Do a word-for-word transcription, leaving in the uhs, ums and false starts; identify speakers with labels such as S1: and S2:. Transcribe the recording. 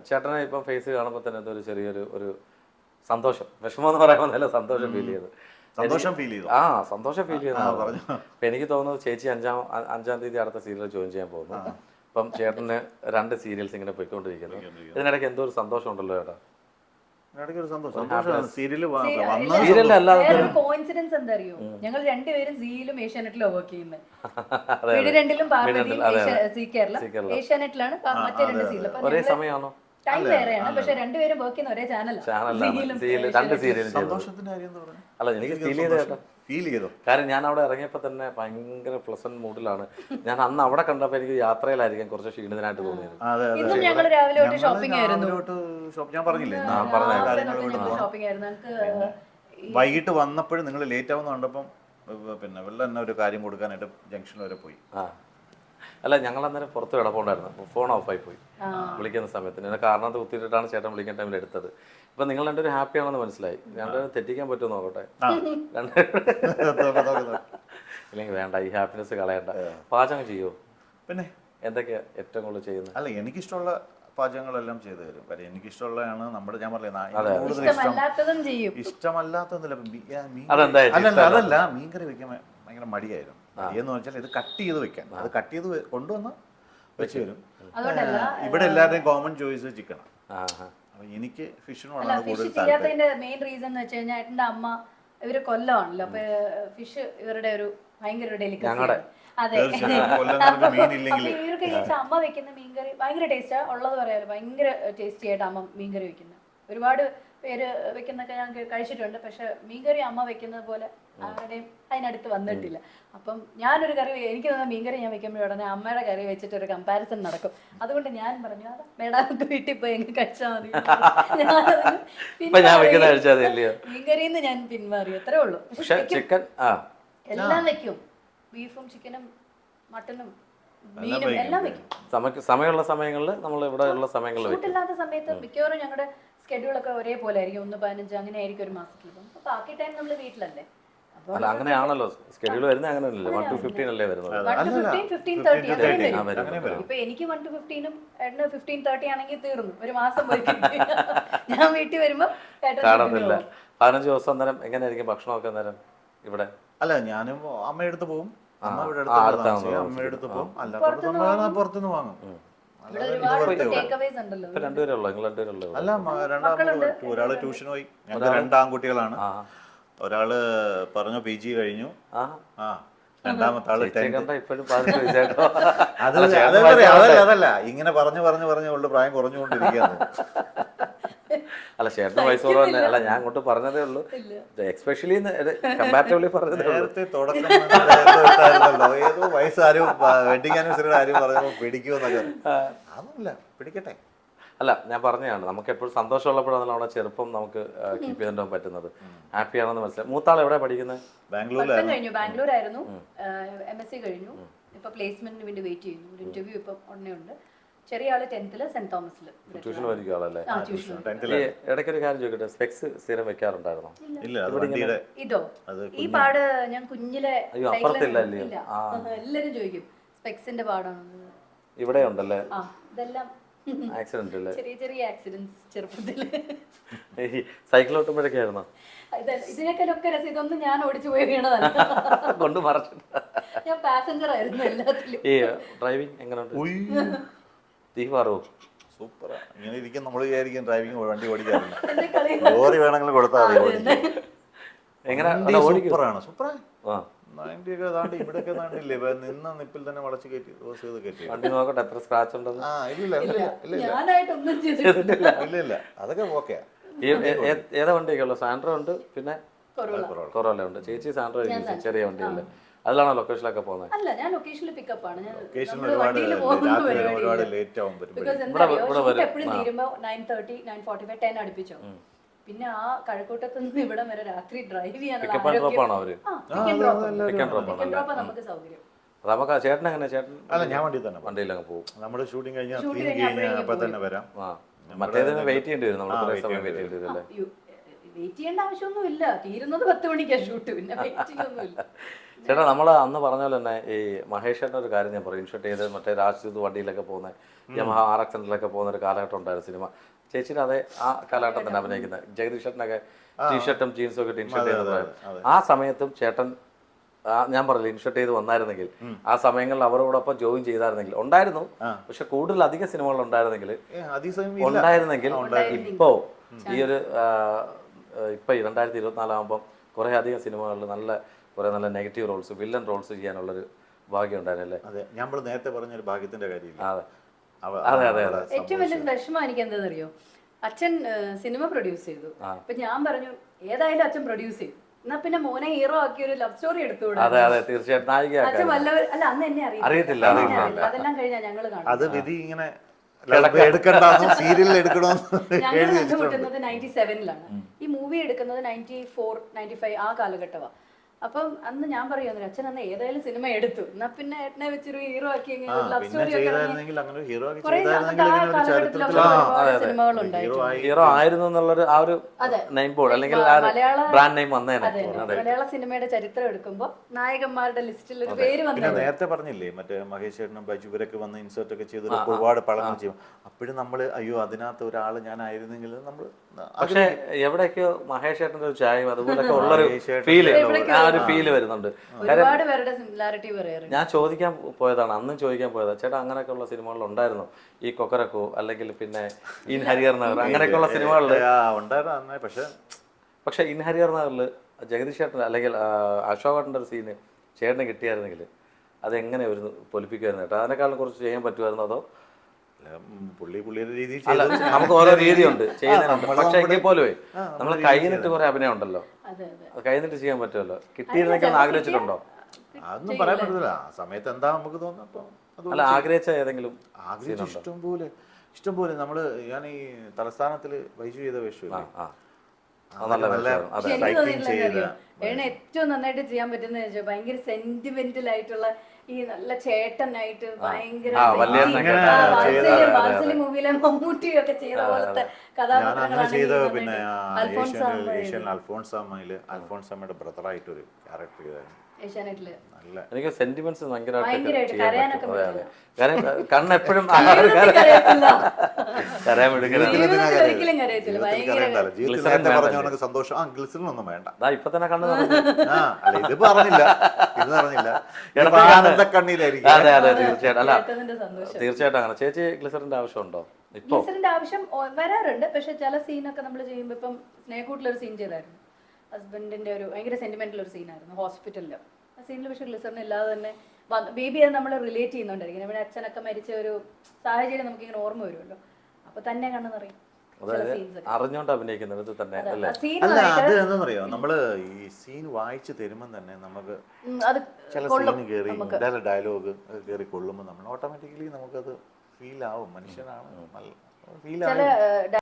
S1: ചേട്ടനെ ഇപ്പം ഫേസ് കാണുമ്പോൾ തന്നെ ഒരു ചെറിയൊരു ഒരു സന്തോഷം, വിഷമം എന്ന് പറയുമ്പോൾ നല്ല സന്തോഷം ഫീൽ ചെയ്തു.
S2: സന്തോഷം ഫീൽ ചെയ്തു.
S1: ആ സന്തോഷം ഫീൽ ചെയ്യുന്നതാണ് പറഞ്ഞു. അപ്പം എനിക്ക് തോന്നുന്നു ചേച്ചി അഞ്ചാം അഞ്ചാം തീയതി അടുത്ത സീരിയൽ ജോയിൻ ചെയ്യാൻ പോകുന്നു. അപ്പം ചേട്ടന് രണ്ട് സീരിയൽസ് ഇങ്ങനെ പോയിക്കൊണ്ടിരിക്കുന്നു. ഇതിനിടയ്ക്ക് എന്തോ ഒരു സന്തോഷം ഉണ്ടല്ലോ ചേട്ടാ.
S3: കോയിൻസിഡൻസ് എന്താ അറിയോ, ഞങ്ങൾ രണ്ടുപേരും സീയിലും ഏഷ്യാനെറ്റിലും വർക്ക് ചെയ്യുന്നത്. വീട് രണ്ടിലും പാർവതിയും സി കേരള ഏഷ്യാനെറ്റിലാണ് മറ്റേ രണ്ട് സീരിയൽ.
S1: ഒരേ സമയമാണോ?
S3: ടൈം വേറെയാണ്, പക്ഷെ രണ്ടുപേരും വർക്ക് ചെയ്യുന്ന ഒരേ ചാനലാണ്.
S1: അല്ല എനിക്ക് ഫീൽ ചെയ്ത ചേട്ടാ, ഫീൽ ചെയ്തു. കാരണം ഞാൻ അവിടെ ഇറങ്ങിയപ്പോൾ തന്നെ ഭയങ്കര പ്ലസന്റ് മൂഡിലാണ്. ഞാൻ അന്ന് അവിടെ കണ്ടപ്പോൾ എനിക്ക് യാത്രയിലായിരിക്കും കുറച്ച് ക്ഷീണിതനായിട്ട് തോന്നിയത്.
S3: ഇന്നും ഞങ്ങൾ രാവിലെ തൊട്ട് ഷോപ്പിംഗ് ആയിരുന്നു.
S2: ഞാൻ പറഞ്ഞില്ലേ
S3: ഷോപ്പിംഗ് ആയിരുന്നു.
S2: വൈകിട്ട് വന്നപ്പോഴും നിങ്ങൾ ലേറ്റ് ആവുന്ന കണ്ടപ്പം പിന്നെ വെള്ളം തന്നെ ഒരു കാര്യം കൊടുക്കാനായിട്ട് ജംഗ്ഷൻ വരെ പോയി.
S1: ആ അല്ല ഞങ്ങൾ അന്നേരം പുറത്ത് കിടപ്പുണ്ടായിരുന്നു. ഫോൺ ഓഫായി പോയി വിളിക്കുന്ന സമയത്തിന്. എന്നെ കാരണത്ത് കുത്തിയിട്ടാണ് ചേട്ടൻ വിളിക്കുന്ന ടൈമിൽ എടുത്തത്. ഇപ്പൊ നിങ്ങൾ രണ്ടൊരു ഹാപ്പി ആണെന്ന് മനസ്സിലായി. രണ്ടുപേരും തെറ്റിക്കാൻ പറ്റുമോ നോക്കട്ടെ. ഇല്ലെങ്കിൽ വേണ്ട, ഈ ഹാപ്പിനെസ് കളയണ്ട. പാചകം ചെയ്യുമോ?
S2: പിന്നെ
S1: എന്തൊക്കെയാ ഏറ്റവും കൂടുതൽ ചെയ്യുന്നത്?
S2: അല്ല എനിക്കിഷ്ടമുള്ള പാചകങ്ങളെല്ലാം ചെയ്തു തരും. കാര്യം എനിക്കിഷ്ടമുള്ളതാണ് നമ്മുടെ, ഞാൻ പറഞ്ഞില്ല ഇഷ്ടമല്ലാത്തതൊന്നുമില്ല. അതല്ല, മീൻകറി വെക്കാൻ ഭയങ്കര മടിയായിരുന്നു. മടിയെന്ന് വെച്ചാൽ ഇത് കട്ട് ചെയ്ത് വെക്കാൻ, അത് കട്ട് ചെയ്ത് കൊണ്ടുവന്ന് വെച്ച് തരും. ഇവിടെ എല്ലാവരുടെയും കോമൺ ചോയ്സ് ചിക്കനാണ്. അപ്പൊ എനിക്ക് ഫിഷിനോടാണ് കൂടുതൽ
S3: താല്പര്യം. മെയിൻ റീസൺ എന്ന് വെച്ച് കഴിഞ്ഞാൽ എന്റെ അമ്മ ഇവര് കൊല്ലമാണല്ലോ, അപ്പൊ ഫിഷ് ഇവരുടെ ഒരു ഭയങ്കര ഡെലിക്കസി. അതെ, ഇവർക്ക് അമ്മ വെക്കുന്ന മീൻകറി ഭയങ്കര ടേസ്റ്റാ ഉള്ളത് പറയാലോ. ഭയങ്കര ടേസ്റ്റി ആയിട്ട് അമ്മ മീൻകറി വെക്കുന്നത്. ഒരുപാട് പേര് വെക്കുന്നൊക്കെ ഞാൻ കഴിച്ചിട്ടുണ്ട്, പക്ഷെ മീൻകറി അമ്മ വെക്കുന്നത് പോലെ ആരുടെയും അതിനടുത്ത് വന്നിട്ടില്ല. അപ്പം ഞാനൊരു കറി, എനിക്ക് തോന്നുന്ന മീൻകറി ഞാൻ വെക്കുമ്പോൾ ഉടനെ അമ്മയുടെ കറി വെച്ചിട്ട് ഒരു കമ്പാരിസൺ നടക്കും. അതുകൊണ്ട് ഞാൻ പറഞ്ഞു അതാ മേഡാമൊക്കെ വീട്ടിൽ പോയി എങ്ങനെ കഴിച്ചാൽ മതി, മീൻകറിന്ന് ഞാൻ പിന്മാറി. അത്രേ ഉള്ളൂ. എല്ലാം വെക്കും, ബീഫും ചിക്കനും മട്ടനും മീനും എല്ലാം വെക്കും.
S1: സമയമുള്ള സമയങ്ങളിൽ നമ്മൾ ഇവിടെ ഉള്ള സമയങ്ങളിൽ
S3: ഷൂട്ടില്ലാത്ത സമയത്ത് മിക്കവാറും ഞങ്ങളുടെ സ്കെഡ്യൂളൊക്കെ ഒരേപോലെ ആയിരിക്കും. ഒന്ന് പതിനഞ്ച് അങ്ങനെ ആയിരിക്കും ഒരു മാസത്തിൽ. അപ്പൊ ബാക്കി ടൈം നമ്മൾ വീട്ടിലല്ലേ.
S1: അല്ല അങ്ങനെയാണല്ലോ സ്കെഡ്യൂൾ വരുന്നത്. അങ്ങനെയല്ലേ വൺ ടു ഫിഫ്റ്റീൻ അല്ലേ വരുന്നത്?
S3: ഇപ്പൊ എനിക്ക് വൺ ടു ഫിഫ്റ്റീനും ഏട്ടന് ഫിഫ്റ്റീൻ തേർട്ടി ആണെങ്കിൽ തീർന്നു, ഒരു മാസം പോയി. ഞാൻ വീട്ടിൽ വരുമ്പോ
S1: കാണത്തില്ല. പതിനഞ്ച് ദിവസം അന്നേരം എങ്ങനെയായിരിക്കും ഭക്ഷണമൊക്കെ അന്നേരം ഇവിടെ?
S2: അല്ല ഞാനും അമ്മയെടുത്ത് പോകും, അമ്മ ഇവിടെ അമ്മയെടുത്ത് പോകും, അല്ല പുറത്തുനിന്ന് വാങ്ങും. അല്ല രണ്ടാമത് ഒരാള് ട്യൂഷൻ പോയി. ഞങ്ങൾക്ക് രണ്ടാൺകുട്ടികളാണ്. ഒരാള് പറഞ്ഞു പി ജി കഴിഞ്ഞു. ആ രണ്ടാമത്തെ ആള് അതല്ല, ഇങ്ങനെ പറഞ്ഞു പറഞ്ഞു പറഞ്ഞു ഉള്ള പ്രായം കുറഞ്ഞുകൊണ്ടിരിക്കുകയാണ്.
S1: അല്ല ചേട്ടന് വയസ്സ് കുറവല്ലേ? അല്ല ഞാൻ അങ്ങോട്ട് പറഞ്ഞതേ ഉള്ളൂ, എക്സ്പെഷ്യലി കമ്പാരിറ്റീവ്ലി പറഞ്ഞതേ ഉള്ളൂ.
S2: നേരത്തെ തുടക്കം ഏതോ വയസ്സാരും വെഡിങ് ആനിവേഴ്സറിയുടെ ആരും പറഞ്ഞപ്പോ പിടിക്കുമെന്നൊക്കെ. അതൊന്നുമില്ല, പിടിക്കട്ടെ.
S1: അല്ല ഞാൻ പറഞ്ഞതാണ്, നമുക്ക് എപ്പോഴും സന്തോഷമുള്ളപ്പോഴാണ് നമ്മുടെ ചെറുപ്പം നമുക്ക് കീപ്പ് ചെയ്തിട്ടുണ്ടാകാൻ പറ്റുന്നത്. ഹാപ്പി ആണെന്ന് മനസ്സിലായി. മൂത്താൾ എവിടെ പഠിക്കുന്നത്?
S3: ബാംഗ്ലൂരിലായിരുന്നു. ബാംഗ്ലൂരായിരുന്നു, എം എസ് സി കഴിഞ്ഞു. ഇപ്പൊ പ്ലേസ്മെന്റിന് വേണ്ടി വെയിറ്റ് ചെയ്യുന്നു. ഒരു ഇന്റർവ്യൂ ഇപ്പൊ ഉടനെ ഉണ്ട്. ചെറിയ ആള് ടെൻത്തില് സെന്റ് തോമസില്
S1: ട്യൂഷൻ പഠിക്കുന്ന ആളല്ലേ? ഇടയ്ക്കൊരു കാര്യം ചോദിക്കട്ടെ, സ്പെക്സ് സ്ഥിരം വെക്കാറുണ്ടായിരുന്നോ?
S3: ഇതോ ഈ പാട് ഞാൻ കുഞ്ഞിലെ എല്ലാരും ചോദിക്കും സ്പെക്സിന്റെ പാടാണ്.
S1: ഇവിടെ ഉണ്ടല്ലേ?
S3: ഇതെല്ലാം
S1: ആക്സിഡന്റ് അല്ലേ?
S3: ചെറിയ ചെറിയ ആക്സിഡന്റ്സ് ചെറുപ്പത്തില്.
S1: സൈക്കിൾ ഓട്ടുമ്പോഴൊക്കെ ആയിരുന്നോ?
S3: ഇതിനൊക്കെ രസം. ഇതൊന്നും ഞാൻ ഓടിച്ചു പോയി വീണതല്ല,
S1: കൊണ്ട് മറച്ചിട്ട്.
S3: ഞാൻ പാസഞ്ചർ ആയിരുന്നു എല്ലാത്തിലും.
S1: ഈ ഡ്രൈവിംഗ് എങ്ങനെയുണ്ട്?
S2: സൂപ്പറാ. ഇങ്ങനെ ഇരിക്കും നമ്മൾ വിചാരിക്കും ഡ്രൈവിംഗ് വണ്ടി ഓടിക്കാറില്ല. ലോറി വേണമെങ്കിലും കൊടുത്താൽ സൂപ്പറാണ്. സൂപ്പറാണ്. നയൻറ്റിയൊക്കെ താണ്ടി ഇവിടെയൊക്കെ താണ്ടില്ലേ, നിന്ന നിപ്പിൽ തന്നെ വളച്ച് കയറ്റി ദോശ ചെയ്ത് കയറ്റി.
S1: വണ്ടി നോക്കട്ടെ എത്ര സ്ക്രാച്ച് ഉണ്ടെന്ന്.
S2: ആ ഇല്ല ഇല്ല ഇല്ല ഇല്ല അതൊക്കെ ഓക്കെയാ.
S1: ഏതാ വണ്ടിയൊക്കെ ഉള്ളു? സാൻഡ്രോ ഉണ്ട്, പിന്നെ കൊറോല ഉണ്ട്. ചേച്ചി സാൻഡ്രോ ചെറിയ വണ്ടിയല്ലേ? അതിലാണോ ലൊക്കേഷനിലൊക്കെ പോകുന്നത്?
S3: അല്ല ഞാൻ ലൊക്കേഷനിൽ പിക്കപ്പ് ആണ്. അടുപ്പിച്ചോ. പിന്നെ ആ കഴക്കൂട്ടത്ത് നിന്ന് ഇവിടെ വരെ രാത്രി ഡ്രൈവ് ചെയ്യാനുള്ള നമുക്ക് സൗകര്യം.
S1: നമുക്ക് ചേട്ടൻ എങ്ങനെ? ചേട്ടൻ
S2: അല്ല ഞാൻ വണ്ടി തന്നെ
S1: വണ്ടിയിലങ്ങ് പോകും.
S2: നമ്മുടെ ഷൂട്ടിംഗ് കഴിഞ്ഞാൽ കഴിഞ്ഞാൽ അപ്പൊ തന്നെ വരാം.
S1: മറ്റേതിന് വെയിറ്റ് ചെയ്യേണ്ടി വരും. നമ്മൾ കുറെ സമയം വെയിറ്റ് ചെയ്യേണ്ടി വരും അല്ലേ?
S3: വെയിറ്റ് ചെയ്യേണ്ട ആവശ്യമൊന്നും ഇല്ല, തീരുന്നത് പത്ത് മണിക്കാ ഷൂട്ട്, പിന്നെ വെയിറ്റ് ചെയ്യൊന്നുമില്ല.
S1: ചേട്ടാ നമ്മൾ അന്ന് പറഞ്ഞ പോലെ തന്നെ ഈ മഹേഷേട്ടൻ്റെ ഒരു കാര്യം ഞാൻ പറയും, ഇൻഷർട്ട് ചെയ്ത് മറ്റേ രാജ്ദൂത് വണ്ടിയിലൊക്കെ പോകുന്ന യമഹ ആർ എക്സ് ഹൺഡ്രഡിലൊക്കെ പോകുന്ന ഒരു കാലഘട്ടം ഉണ്ടായിരുന്നു സിനിമ. ചേച്ചിയുടെ അതേ ആ കാലഘട്ടം തന്നെ അഭിനയിക്കുന്നത്, ജഗദീഷ് ചേട്ടനൊക്കെ ടീഷർട്ടും ജീൻസും ഒക്കെ ഇൻഷർട്ട് ചെയ്ത് ആ സമയത്തും ചേട്ടൻ ഞാൻ പറഞ്ഞില്ല ഇൻഷർട്ട് ചെയ്ത് വന്നായിരുന്നെങ്കിൽ ആ സമയങ്ങളിൽ അവരോടൊപ്പം ജോയിൻ ചെയ്തായിരുന്നെങ്കിൽ ഉണ്ടായിരുന്നു. പക്ഷെ കൂടുതൽ അധിക സിനിമകൾ ഉണ്ടായിരുന്നെങ്കിൽ ഉണ്ടായിരുന്നെങ്കിൽ ഇപ്പോ ഈ ഒരു ഇപ്പൊ രണ്ടായിരത്തി ഇരുപത്തിനാലാകുമ്പോൾ കുറെ അധികം സിനിമകളിൽ നല്ല കുറെ നല്ല നെഗറ്റീവ് റോൾസ്, വില്ലൻ റോൾസ് ചെയ്യാനുള്ളൊരു ഭാഗ്യം ഉണ്ടായിരുന്നല്ലേ.
S2: അതെ, ഞാൻ നേരത്തെ പറഞ്ഞൊരു ഭാഗ്യത്തിന്റെ കാര്യം.
S1: അതെ അതെ അതെ അതെ.
S3: ഏറ്റവും വലിയ വിഷമം എനിക്ക് എന്താണെന്നറിയോ, അച്ഛൻ സിനിമ പ്രൊഡ്യൂസ് ചെയ്തു. അപ്പൊ ഞാൻ പറഞ്ഞു ഏതായാലും അച്ഛൻ പ്രൊഡ്യൂസ് ചെയ്തു, എന്നാ പിന്നെ മോനെ ഹീറോ ആക്കി ഒരു ലവ് സ്റ്റോറി എടുത്തുകൂടെ.
S1: അതെ അതെ തീർച്ചയായിട്ടും നായിക
S3: അച്ഛൻ വല്ലവർ അല്ല അന്ന് എന്നെ
S1: അറിയത്തില്ല.
S3: അതെല്ലാം കഴിഞ്ഞാ ഞങ്ങള് കാണും.
S2: അത് വിധി ഇങ്ങനെ എടുക്കണ്ടെന്നോ സീരിയലിൽ എടുക്കണമെന്നോ
S3: ഞങ്ങൾ കണ്ടുമുട്ടുന്നത് നയൻറ്റി സെവനിലാണ്, ഈ മൂവി എടുക്കുന്നത് നയൻറ്റി ഫോർ നയൻറ്റി ഫൈവ് ആ കാലഘട്ടമാണ്. അപ്പം അന്ന് ഞാൻ പറയുന്നു അച്ഛൻ അന്ന് ഏതായാലും സിനിമ എടുത്തു, എന്നാ പിന്നെ ഏട്ടനെ വെച്ചൊരു ഹീറോ ആക്കി ലവ് സ്റ്റോറി സിനിമകളുണ്ടായിരുന്നു.
S1: ഹീറോ ആയിരുന്നു എന്നുള്ളൊരു ആ ഒരു നെയിം ബോർഡ് അല്ലെങ്കിൽ ബ്രാൻഡ് നെയിം വന്നേനെ.
S3: മലയാള സിനിമയുടെ ചരിത്രം എടുക്കുമ്പോൾ നായകന്മാരുടെ ലിസ്റ്റിൽ ഒരു പേര് വന്നു.
S2: നേരത്തെ പറഞ്ഞില്ലേ മറ്റേ മഹേഷ് ചേട്ടനും ബൈജു ഇവരൊക്കെ വന്ന് ഇൻസേർട്ട് ഒക്കെ ചെയ്ത് ഒരുപാട് പടങ്ങൾ ചെയ്യും. അപ്പോഴും നമ്മള് അയ്യോ അതിനകത്ത് ഒരാള് ഞാനായിരുന്നെങ്കിൽ നമ്മള്.
S1: പക്ഷെ എവിടെയൊക്കെയോ മഹേഷ് ചേട്ടന്റെ ഒരു ചായം അതുപോലൊക്കെ ഉള്ളൊരു ഫീല് ഒരു ഫീല് വരുന്നുണ്ട്.
S3: ഒരുപാട് പേരുടെ സിമിലാരിറ്റി പറയാറുണ്ട്.
S1: ഞാൻ ചോദിക്കാൻ പോയതാണ്, അന്നും ചോദിക്കാൻ പോയതാ, ചേട്ടാ അങ്ങനെയൊക്കെ ഉള്ള സിനിമകളിൽ ഉണ്ടായിരുന്നു ഈ കൊക്കരക്കോ അല്ലെങ്കിൽ പിന്നെ ഇൻ ഹരിഹർ നഗർ അങ്ങനെയൊക്കെ ഉള്ള സിനിമകളിൽ
S2: ഉണ്ടായിരുന്നു. പക്ഷെ
S1: പക്ഷെ ഇൻ ഹരിഹർ നഗറിൽ ജഗദീഷ് ചേട്ടൻ അല്ലെങ്കിൽ അശോകേട്ടൻ്റെ ഒരു സീന് ചേട്ടന് കിട്ടിയായിരുന്നെങ്കിൽ അതെങ്ങനെ ഒരു പൊലിപ്പിക്കുമായിരുന്നു ചേട്ടാ? അതിനേക്കാളും കുറച്ച് ചെയ്യാൻ പറ്റുമായിരുന്നു അതോ?
S2: പുള്ളി പുള്ളിയുടെ രീതി
S1: നമുക്ക് ഓരോ രീതിയുണ്ട് ചെയ്യുന്നതിനുണ്ട്. പക്ഷെ എങ്കിൽ പോലും നമ്മൾ കഴിഞ്ഞിട്ട് കുറെ അഭിനയം ഉണ്ടല്ലോ, അത് കഴിഞ്ഞിട്ട് ചെയ്യാൻ പറ്റുമല്ലോ. കിട്ടിയിരുന്നൊക്കെ ഒന്ന് ആഗ്രഹിച്ചിട്ടുണ്ടോ?
S2: അതൊന്നും പറയാൻ പറ്റില്ല, ആ സമയത്ത് എന്താ നമുക്ക് തോന്നുന്നു.
S1: അല്ല ആഗ്രഹിച്ച ഏതെങ്കിലും
S2: ആഗ്രഹിച്ച ഇഷ്ടം പോലെ ഇഷ്ടം പോലെ നമ്മള് ഞാൻ ഈ തലസ്ഥാനത്തില് വൈജു ചെയ്ത വേഷമില്ലേ,
S3: ഏറ്റവും നന്നായിട്ട് ചെയ്യാൻ പറ്റുന്ന വെച്ചാൽ ഭയങ്കര സെന്റിമെന്റൽ ആയിട്ടുള്ള ഈ നല്ല ചേട്ടനായിട്ട് ഭയങ്കര വാത്സല്യ മൂവിയിലെ മമ്മൂട്ടിയൊക്കെ ചെയ്ത പോലത്തെ കഥാപാത്രങ്ങളാണ്.
S2: പിന്നെ അൽഫോൺസാമയില് അൽഫോൺസാമയുടെ ബ്രദറായിട്ട് ഒരു ക്യാരക്ടർ ചെയ്തായിരുന്നു
S3: ഏഷ്യാനെറ്റില്.
S1: എനിക്ക് സെന്റിമെന്റ്സ് ഭയങ്കരമായിട്ട്
S3: കരയാനൊക്കെ
S1: കണ്ണെപ്പോഴും കരയാൻ
S3: ഒരിക്കലും കരയത്തില്ല. ഭയങ്കര
S2: സന്തോഷം. ആ ഗ്ലിസറിനൊന്നും വേണ്ട,
S1: ഇപ്പൊ തന്നെ കണ്ണ്
S2: ഇത് പറഞ്ഞില്ല ഇത് പറഞ്ഞില്ല കണ്ണീരായിരിക്കും.
S1: അതെ അതെ തീർച്ചയായിട്ടും. അല്ല തീർച്ചയായിട്ടും അങ്ങനെ. ചേച്ചി ഗ്ലിസറിന്റെ ആവശ്യമുണ്ടോ?
S3: ഗ്ലിസറിന്റെ ആവശ്യം വരാറുണ്ട്, പക്ഷെ ചില സീനൊക്കെ നമ്മൾ ചെയ്യുമ്പോൾ ഇപ്പം സ്നേഹക്കൂട്ടിലൊരു സീൻ ചെയ്തായിരുന്നു, ഹസ്ബൻഡിന്റെ ഒരു ഭയങ്കര സെന്റിമെന്റൽ ഒരു സീനായിരുന്നു ഹോസ്പിറ്റലില്. ആ സീനിൽ പക്ഷെ ഗ്ലിസറിന് ഇല്ലാതെ തന്നെ ബേബി അത് നമ്മൾ റിലേറ്റ് ചെയ്യുന്നുണ്ടായിരിക്കും. നമ്മുടെ അച്ഛനൊക്കെ മരിച്ച ഒരു സാഹചര്യം നമുക്ക് ഇങ്ങനെ ഓർമ്മ വരുമല്ലോ, അപ്പൊ തന്നെ കണ്ണു നിറയും.
S1: അറിഞ്ഞോണ്ട് അഭിനയിക്കുന്നത് തന്നെ
S2: അല്ല. അത് എന്താണെന്നറിയോ, നമ്മള് ഈ സീൻ വായിച്ചു തരുമ്പോൾ തന്നെ നമുക്ക് ചില സീൻ കയറി ഡയലോഗ് കയറി കൊള്ളുമ്പോൾ നമ്മൾ ഓട്ടോമാറ്റിക്കലി നമുക്കത് ഫീൽ ആവും. മനുഷ്യനാണ് ഫീൽ ആവും.